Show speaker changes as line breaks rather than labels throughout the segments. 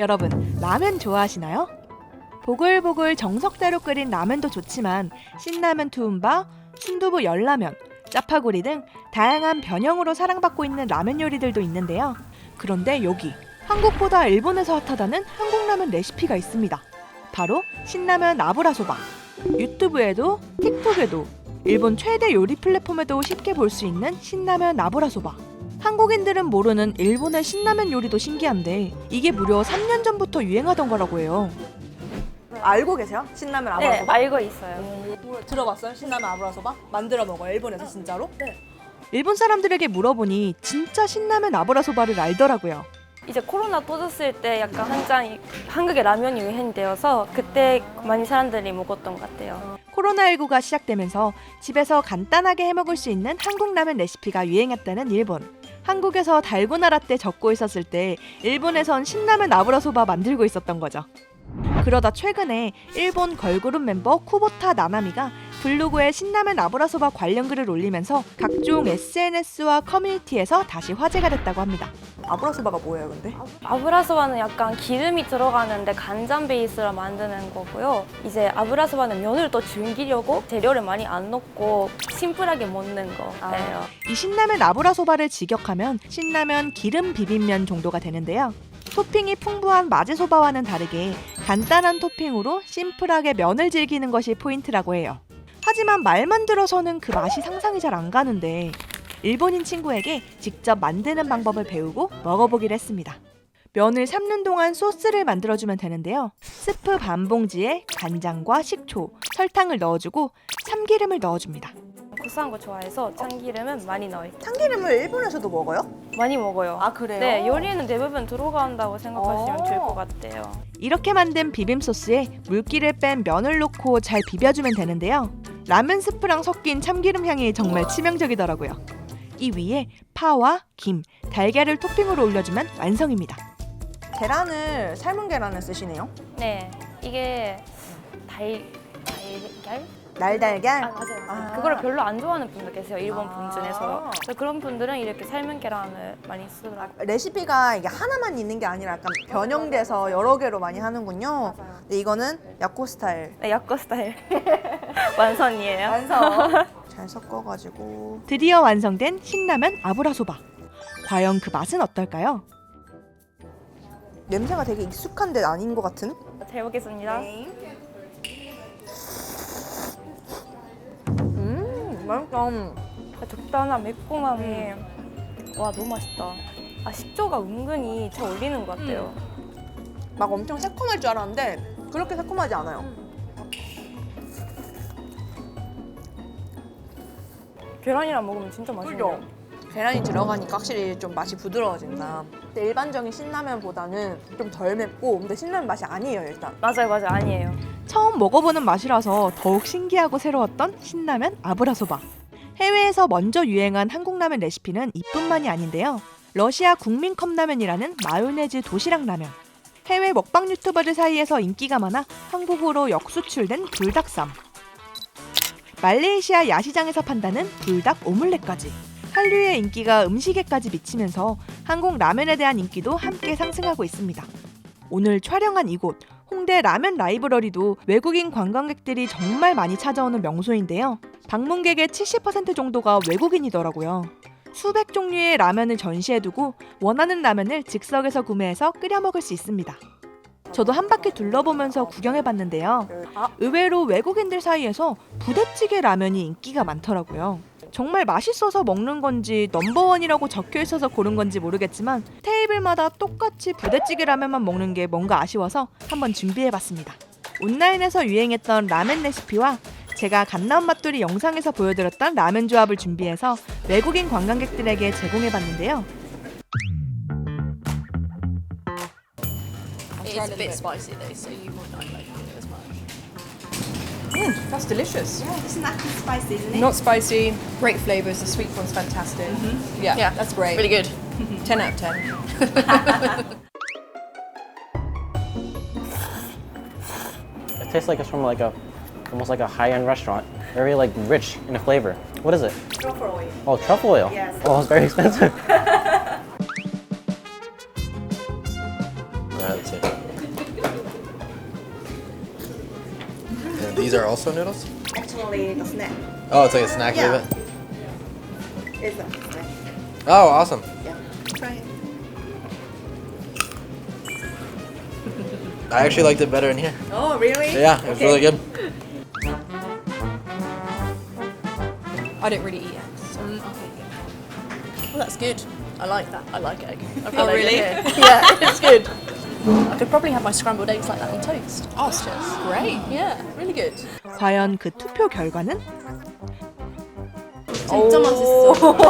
여러분, 라면 좋아하시나요? 보글보글 정석대로 끓인 라면도 좋지만 신라면 투움바, 순두부 열라면, 짜파구리 등 다양한 변형으로 사랑받고 있는 라면 요리들도 있는데요. 그런데 여기 한국보다 일본에서 핫하다는 한국 라면 레시피가 있습니다. 바로 신라면 아브라소바. 유튜브에도 틱톡에도 일본 최대 요리 플랫폼에도 쉽게 볼 수 있는 신라면 아브라소바. 한국인들은 모르는 일본의 신라면 요리도 신기한데 이게 무려 3년 전부터 유행하던 거라고 해요. 알고 계세요? 신라면 아브라소바?
네, 알고 있어요.
들어봤어요? 신라면 아브라소바? 만들어 먹어요, 일본에서 진짜로?
네.
일본 사람들에게 물어보니 진짜 신라면 아브라소바를 알더라고요.
이제 코로나 터졌을 때 약간 한창 한국의 라면이 유행되어서 그때 많이 사람들이 먹었던 것 같아요.
코로나19가 시작되면서 집에서 간단하게 해먹을 수 있는 한국 라면 레시피가 유행했다는 일본. 한국에서 달고나 라떼 적고 있었을 때 일본에선 신라면 아브라소바 만들고 있었던 거죠. 그러다 최근에 일본 걸그룹 멤버 쿠보타 나나미가 블로그에 신라면 아브라소바 관련 글을 올리면서 각종 SNS와 커뮤니티에서 다시 화제가 됐다고 합니다. 아브라소바가 뭐예요, 근데?
아브라소바는 약간 기름이 들어가는데 간장 베이스로 만드는 거고요. 이제 아브라소바는 면을 더 줄이려고 재료를 많이 안 넣고 심플하게 먹는 거예요.
이 신라면 아브라소바를 직역하면 신라면 기름 비빔면 정도가 되는데요. 토핑이 풍부한 마제소바와는 다르게 간단한 토핑으로 심플하게 면을 즐기는 것이 포인트라고 해요. 하지만 말만 들어서는 그 맛이 상상이 잘 안 가는데 일본인 친구에게 직접 만드는 방법을 배우고 먹어보기로 했습니다. 면을 삶는 동안 소스를 만들어주면 되는데요. 스프 반 봉지에 간장과 식초, 설탕을 넣어주고 참기름을 넣어줍니다.
고소한 거 좋아해서 참기름은 많이 넣어요.
참기름을 일본에서도 먹어요?
많이 먹어요.
아, 그래요?
네, 요리에는 대부분 들어간다고 생각하시면 좋을 것 같아요.
이렇게 만든 비빔 소스에 물기를 뺀 면을 넣고 잘 비벼주면 되는데요. 라면 스프랑 섞인 참기름 향이 정말 치명적이더라고요. 이 위에 파와 김, 달걀을 토핑으로 올려주면 완성입니다. 계란을 삶은 계란을 쓰시네요.
네, 이게 달걀?
날달걀?
맞아요. 그거를 별로 안 좋아하는 분도 계세요, 일본 분 중에서. 그래서 그런 분들은 이렇게 삶은 계란을 많이 쓰더라고요.
레시피가 이게 하나만 있는 게 아니라 약간 변형돼서 여러 개로 많이 하는군요. 근데 이거는 야코 스타일.
네, 야코 스타일 완성이에요.
완성. 잘 섞어가지고 드디어 완성된 신라면 아브라소바. 과연 그 맛은 어떨까요? 냄새가 되게 익숙한데 아닌 것 같은?
잘 먹겠습니다.
네. 맛있다.
적당한 매콤함이 와, 너무 맛있다. 식초가 은근히 잘 어울리는 것 같아요.
막 엄청 새콤할 줄 알았는데 그렇게 새콤하지 않아요.
계란이랑 먹으면 진짜 맛있네요.
계란이 들어가니까 확실히 좀 맛이 부드러워진다. 근데 일반적인 신라면보다는 좀 덜 맵고 근데 신라면 맛이 아니에요, 일단.
맞아요, 아니에요.
처음 먹어보는 맛이라서 더욱 신기하고 새로웠던 신라면 아브라소바. 해외에서 먼저 유행한 한국 라면 레시피는 이뿐만이 아닌데요. 러시아 국민 컵라면이라는 마요네즈 도시락 라면. 해외 먹방 유튜버들 사이에서 인기가 많아 한국으로 역수출된 불닭쌈. 말레이시아 야시장에서 판다는 불닭 오믈렛까지. 한류의 인기가 음식에까지 미치면서 한국 라면에 대한 인기도 함께 상승하고 있습니다. 오늘 촬영한 이곳 홍대 라면 라이브러리도 외국인 관광객들이 정말 많이 찾아오는 명소인데요. 방문객의 70% 정도가 외국인이더라고요. 수백 종류의 라면을 전시해두고 원하는 라면을 즉석에서 구매해서 끓여 먹을 수 있습니다. 저도 한 바퀴 둘러보면서 구경해봤는데요. 의외로 외국인들 사이에서 부대찌개 라면이 인기가 많더라고요. 정말 맛있어서 먹는 건지 넘버원이라고 적혀있어서 고른 건지 모르겠지만 테이블마다 똑같이 부대찌개 라면만 먹는 게 뭔가 아쉬워서 한번 준비해봤습니다. 온라인에서 유행했던 라면 레시피와 제가 갓나온 맛돌이 영상에서 보여드렸던 라면 조합을 준비해서 외국인 관광객들에게 제공해봤는데요.
It's a bit spicy though, so you might not like it as much.
That's delicious.
Yeah, it's not too spicy, isn't it?
Not spicy, great flavours. The sweet corn's fantastic. Yeah, that's great.
Really good.
10 out of 10.
It tastes like it's from almost like a high-end restaurant. Very like rich in the flavor. What is it?
Truffle oil.
Oh, truffle oil.
Yes.
Oh, it's very expensive. That's it.
these are also noodles?
Actually, the snack.
Oh, it's like a snack
Yeah.
flavor?
It's a snack.
Oh, awesome.
Yeah, try it.
I actually liked it better in here.
Oh, really?
Yeah, it was really good.
I don't really eat eggs.
Well, that's good. I like that. I like egg. I've
Oh,
got egg in
really?
here. Yeah, it's good. I could probably have my scrambled eggs like that on toast.
Oh, great.
Yeah, really good.
과연 그 투표 결과는?
진짜 맛있어.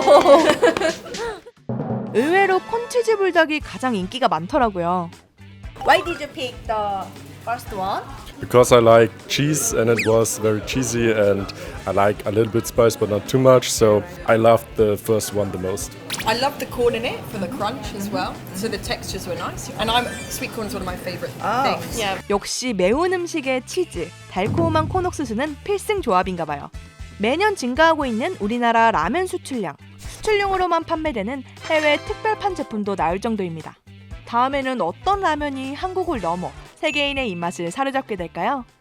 의외로 콘치즈 불닭이 가장 인기가 많더라고요.
Why did you pick the first one?
Because I like cheese and it was very cheesy and I like a little bit spice but not too much, so I loved the first one the most.
I love the corn in it for the crunch as well. So the textures were nice. And sweet corn is one of my favorite things.
Yeah.
역시 매운 음식에 치즈, 달콤한 콘 옥수수는 필승 조합인가 봐요. 매년 증가하고 있는 우리나라 라면 수출량. 수출용으로만 판매되는 해외 특별판 제품도 나올 정도입니다. 다음에는 어떤 라면이 한국을 넘어 세계인의 입맛을 사로잡게 될까요?